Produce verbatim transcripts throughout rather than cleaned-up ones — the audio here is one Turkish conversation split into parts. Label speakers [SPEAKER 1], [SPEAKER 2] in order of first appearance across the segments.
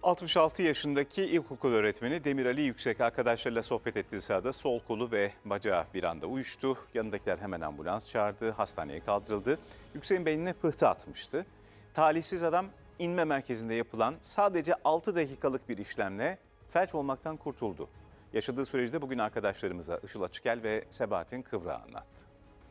[SPEAKER 1] altmış altı yaşındaki ilkokul öğretmeni Demir Ali Yüksek arkadaşlarıyla sohbet ettiği sırada sol kolu ve bacağı bir anda uyuştu. Yanındakiler hemen ambulans çağırdı, hastaneye kaldırıldı. Yüksek'in beynine pıhtı atmıştı. Talihsiz adam inme merkezinde yapılan sadece altı dakikalık bir işlemle felç olmaktan kurtuldu. Yaşadığı süreçte bugün arkadaşlarımıza Işıl Açıkel ve Sebahattin Kıvrak'a anlattı.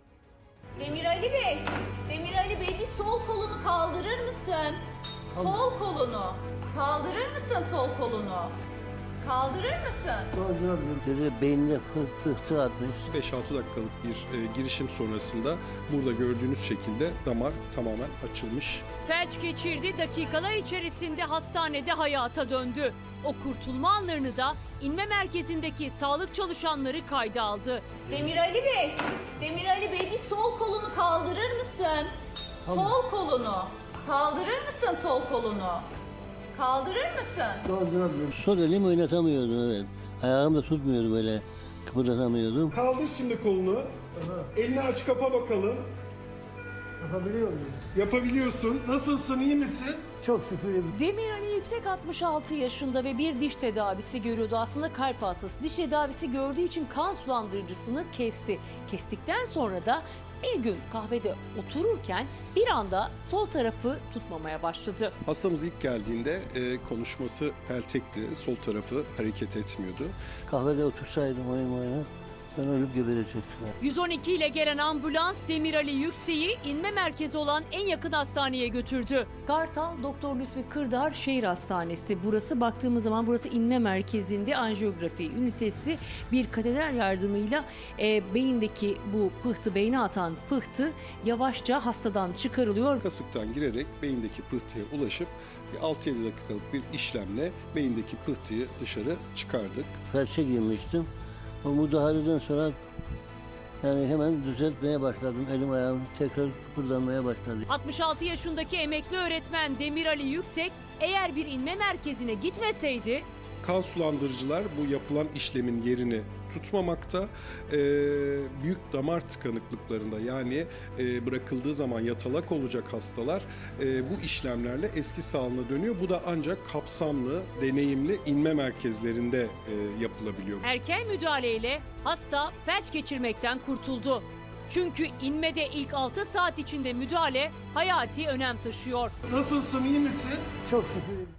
[SPEAKER 2] Demir Ali Bey, Demir Ali Bey bir sol kolunu kaldırır mısın? Sol kolunu. Kaldırır mısın sol kolunu? Kaldırır mısın?
[SPEAKER 3] Kaldıramıyorum. Dedi beynine pıh- pıhtı atmış.
[SPEAKER 4] beş altı dakikalık bir e, girişim sonrasında burada gördüğünüz şekilde damar tamamen açılmış.
[SPEAKER 5] Felç geçirdi, dakikalar içerisinde hastanede hayata döndü. O kurtulma anlarını da inme merkezindeki sağlık çalışanları kayda aldı.
[SPEAKER 2] Demir Ali Bey, Demir Ali Bey bir sol kolunu kaldırır mısın? Sol kolunu. Kaldırır mısın sol kolunu? Kaldırır mısın?
[SPEAKER 3] Kaldıramıyorum. Sol elimi oynatamıyordum, evet. Ayağım da tutmuyordu, böyle kıpırdatamıyordum.
[SPEAKER 4] Kaldır şimdi kolunu. Elini aç kapa bakalım.
[SPEAKER 3] Yapabiliyor muyum?
[SPEAKER 4] Yapabiliyorsun. Nasılsın, iyi misin?
[SPEAKER 3] Çok şükür.
[SPEAKER 5] Demir Ali Yüksek altmış altı yaşında ve bir diş tedavisi görüyordu. Aslında kalp hastası. Diş tedavisi gördüğü için kan sulandırıcısını kesti. Kestikten sonra da bir gün kahvede otururken bir anda sol tarafı tutmamaya başladı.
[SPEAKER 4] Hastamız ilk geldiğinde e, konuşması peltekti. Sol tarafı hareket etmiyordu.
[SPEAKER 3] Kahvede otursaydım oyun oyuna, ben ölüp geberecektiler.
[SPEAKER 5] yüz on iki ile gelen ambulans Demir Ali Yüksek'i inme merkezi olan en yakın hastaneye götürdü. Kartal Doktor Lütfi Kırdar Şehir Hastanesi. Burası, baktığımız zaman burası inme merkezinde anjiyografi ünitesi. Bir kateter yardımıyla e, beyindeki bu pıhtı, beyne atan pıhtı yavaşça hastadan çıkarılıyor.
[SPEAKER 4] Kasıktan girerek beyindeki pıhtıya ulaşıp altı yedi dakikalık bir işlemle beyindeki pıhtıyı dışarı çıkardık.
[SPEAKER 3] Felçe girmiştim. O müdahaleden sonra yani hemen düzeltmeye başladım. Elim ayağım tekrar kıpırdanmaya başladı.
[SPEAKER 5] altmış altı yaşındaki emekli öğretmen Demir Ali Yüksek eğer bir inme merkezine gitmeseydi
[SPEAKER 4] Kan sulandırıcılar bu yapılan işlemin yerini tutmamakta. Ee, büyük damar tıkanıklıklarında, yani e, bırakıldığı zaman yatalak olacak hastalar e, bu işlemlerle eski sağlığına dönüyor. Bu da ancak kapsamlı, deneyimli inme merkezlerinde e, yapılabiliyor.
[SPEAKER 5] erken müdahaleyle hasta felç geçirmekten kurtuldu. Çünkü inmede ilk altı saat içinde müdahale hayati önem taşıyor.
[SPEAKER 4] Nasılsın, iyi misin?
[SPEAKER 3] Çok şükür.